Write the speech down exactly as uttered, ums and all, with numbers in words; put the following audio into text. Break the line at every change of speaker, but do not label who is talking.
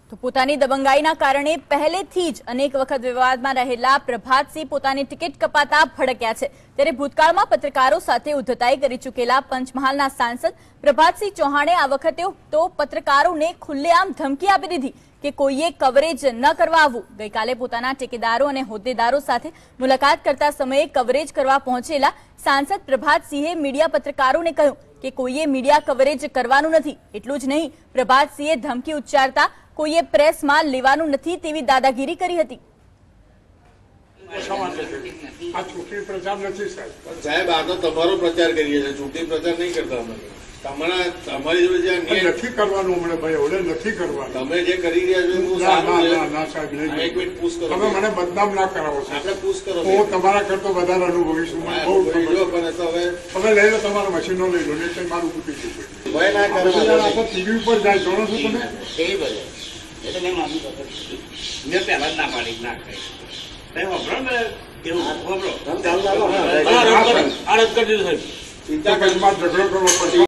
તો પોતાની દબંગાઈના કારણે પહેલેથી જ અનેક વખત વિવાદમાં રહેલા પ્રભાતસિંહ પોતાની ટિકિટ કપાતા ભડક્યા છે। ત્યારે ભૂતકાળમાં પત્રકારો સાથે ઉદ્ધતાઈ કરી ચૂકેલા પંચમહાલના સાંસદ પ્રભાતસિંહ ચૌહાણે આ વખતે તો પત્રકારોને ખુલ્લેઆમ ધમકી આપી દીધી કે કોઈએ કવરેજ ન કરવા આવવું। ગઈકાલે પોતાના ટેકેદારો અને હોદ્દેદારો સાથે મુલાકાત કરતા સમયે કવરેજ કરવા પહોંચેલા સાંસદ પ્રભાતસિંહે મીડિયા પત્રકારોને કહ્યું કે કોઈએ મીડિયા કવરેજ કરવાનું નથી। એટલું જ નહીં, પ્રભાતસિંહે ધમકી ઉચ્ચારતા કોઈએ પ્રેસમાં લેવાનું નથી તેવી દાદાગીરી કરી હતી।
આ ચૂંટણી પ્રચાર નથી સાહેબ
સાહેબ આ તો તમારો પ્રચાર કરીએ છીએ, ચૂંટણી પ્રચાર નહીં કરતા અમે। તમારા તમારી જોડે જે
નથી કરવાનું હમણાં ભાઈ ઓલે નથી કરવાનું
તમે જે કરી રહ્યા છો હું
ના સાહેબ નહીં
એક મિનિટ પૂછ કરો,
તમે મને બદનામ ના કરાવો
આપણે પૂછ કરો,
હું તમારા કરતો વધારે અનુભવી છું, મને બહુ
પણ તો હવે
તમે લઈ લો, તમારા મશીનો લઈ લો, નહીં મારું કૂટી ગયું
ભય ના કરો।
ટીવી ઉપર જાય જોડો છો તમે
એ ભલે એટલે મેં માનું મેં પહેલા જ ના પાડી ના કરી વાપરો ને એવું વાપરો
ચાલ
આ રદ કરી દીધું સાહેબ,
ચિંતા કરી ઝઘડો કરવો પડશે।